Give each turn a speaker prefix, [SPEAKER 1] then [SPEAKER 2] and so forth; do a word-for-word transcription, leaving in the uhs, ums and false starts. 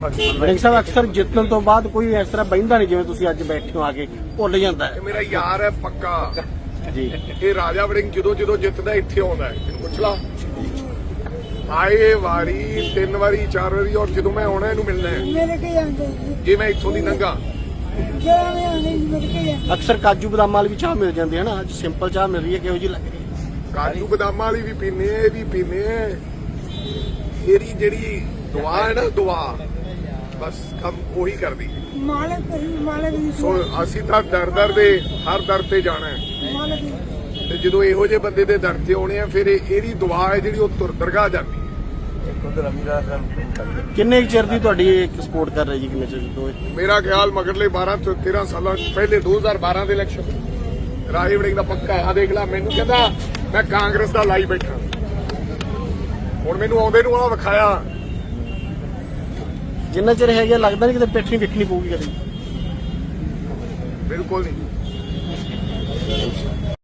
[SPEAKER 1] ਵੜਿੰਗ ਸਾਹਿਬ ਅਕਸਰ ਜਿੱਤਣ ਤੋਂ ਬਾਅਦ ਕੋਈ ਇਸ ਤਰ੍ਹਾਂ ਬਹਿੰਦਾ ਨਹੀਂ ਜਿਵੇਂ ਤੁਸੀਂ ਅੱਜ ਬੈਠੇ ਹੋ ਆ ਕੇ ਭੁੱਲ ਜਾਂਦਾ ਹੈ।
[SPEAKER 2] ਇਹ ਮੇਰਾ ਯਾਰ ਹੈ ਪੱਕਾ
[SPEAKER 1] ਜੀ।
[SPEAKER 2] ਇਹ ਰਾਜਾ ਵੜਿੰਗ ਜਦੋਂ ਜਦੋਂ ਜਿੱਤਦਾ ਇੱਥੇ ਆਉਂਦਾ ਹੈ, ਇਹਨੂੰ ਪੁੱਛ ਲਾ। ਆਏ ਵਾਰੀ ਤਿੰਨ ਵਾਰੀ ਚਾਰ ਵਾਰੀ, ਔਰ ਜਦੋਂ ਮੈਂ ਆਉਣਾ ਇਹਨੂੰ ਮਿਲਣਾ ਹੈ
[SPEAKER 3] ਮੇਰੇ ਕੇ ਜਾਂਦੇ
[SPEAKER 2] ਜੇ ਮੈਂ ਇੱਥੋਂ ਦੀ ਲੰਘਾ।
[SPEAKER 3] ਜਿਹੜਾ ਮੈਂ ਆਉਂਦੇ ਮੇਰੇ ਕੇ ਜਾਂਦੇ
[SPEAKER 1] ਅਕਸਰ ਕਾਜੂ ਬਦਾਮ ਵਾਲੀ ਵੀ ਚਾਹ ਮਿਲ ਜਾਂਦੀ ਹੈ ਨਾ, ਅੱਜ ਸਿੰਪਲ ਚਾਹ ਮਿਲ ਰਹੀ ਹੈ, ਕਿਹੋ ਜਿਹੀ ਲੱਗ ਰਹੀ ਹੈ?
[SPEAKER 2] ਕਾਜੂ ਬਦਾਮਾਂ ਵਾਲੀ ਵੀ ਪੀਨੇ, ਇਹ ਵੀ ਪੀਨੇ। ਇਹਦੀ ਜਿਹੜੀ ਦੁਆ ਹੈ ਨਾ, ਦੁਆ ਬਸ ਕੰਮ ਉਹੀ ਕਰਦੀ।
[SPEAKER 3] ਮਾਲਕ ਕਰੀ ਮਾਲਕ ਦੀ
[SPEAKER 2] ਸੋ ਅਸੀਂ ਤਾਂ ਦਰ ਦਰ ਦੇ ਹਰ ਦਰ ਤੇ ਜਾਣਾ ਹੈ,
[SPEAKER 3] ਮਾਲਕ ਦੀ
[SPEAKER 2] ਤੇ ਜਦੋਂ ਇਹੋ ਜਿਹੇ ਬੰਦੇ ਦੇ ਦਰ ਤੇ ਆਉਣੇ ਆ, ਫਿਰ ਇਹ- ਇਹਦੀ ਦੁਆ ਹੈ ਜਿਹੜੀ ਉਹ ਤੁਰ ਦਰਗਾਹ ਜਾਂਦੀ ਹੈ।
[SPEAKER 1] ਕਿੰਨੇ ਕੁ ਚਿਰ ਦੀ ਤੁਹਾਡੀ ਇੱਕ ਸਪੋਰਟ ਕਰ ਰਹੀ ਜੀ? ਕਿੰਨੇ ਚਿਰ ਤੋਂ?
[SPEAKER 2] ਮੇਰਾ ਖਿਆਲ ਮਗਰਲੇ ਬਾਰਾਂ ਤੋਂ ਤੇਰਾਂ ਸਾਲਾਂ ਪਹਿਲੇ ਦੋ ਹਜ਼ਾਰ ਬਾਰਾਂ ਦੇ ਇਲੈਕਸ਼ਨ ਰਾਜਾ ਵੜਿੰਗ ਦਾ ਪੱਕਾ ਆ। ਦੇਖ ਲੈ, ਮੈਨੂੰ ਕਹਿੰਦਾ ਮੈਂ ਕਾਂਗਰਸ ਦਾ ਲਾਈ ਬੈਠਾ, ਹੁਣ ਮੈਨੂੰ ਆਉਂਦੇ ਨੂੰ ਆ ਵਿਖਾਇਆ।
[SPEAKER 1] ਜਿੰਨਾ ਚਿਰ ਹੈਗਾ ਲੱਗਦਾ ਨਹੀਂ ਕਿਤੇ ਪਿੱਠ ਨਹੀਂ ਵਿਖਣੀ ਪਊਗੀ ਕਦੇ।
[SPEAKER 2] ਬਿਲਕੁਲ ਨਹੀਂ।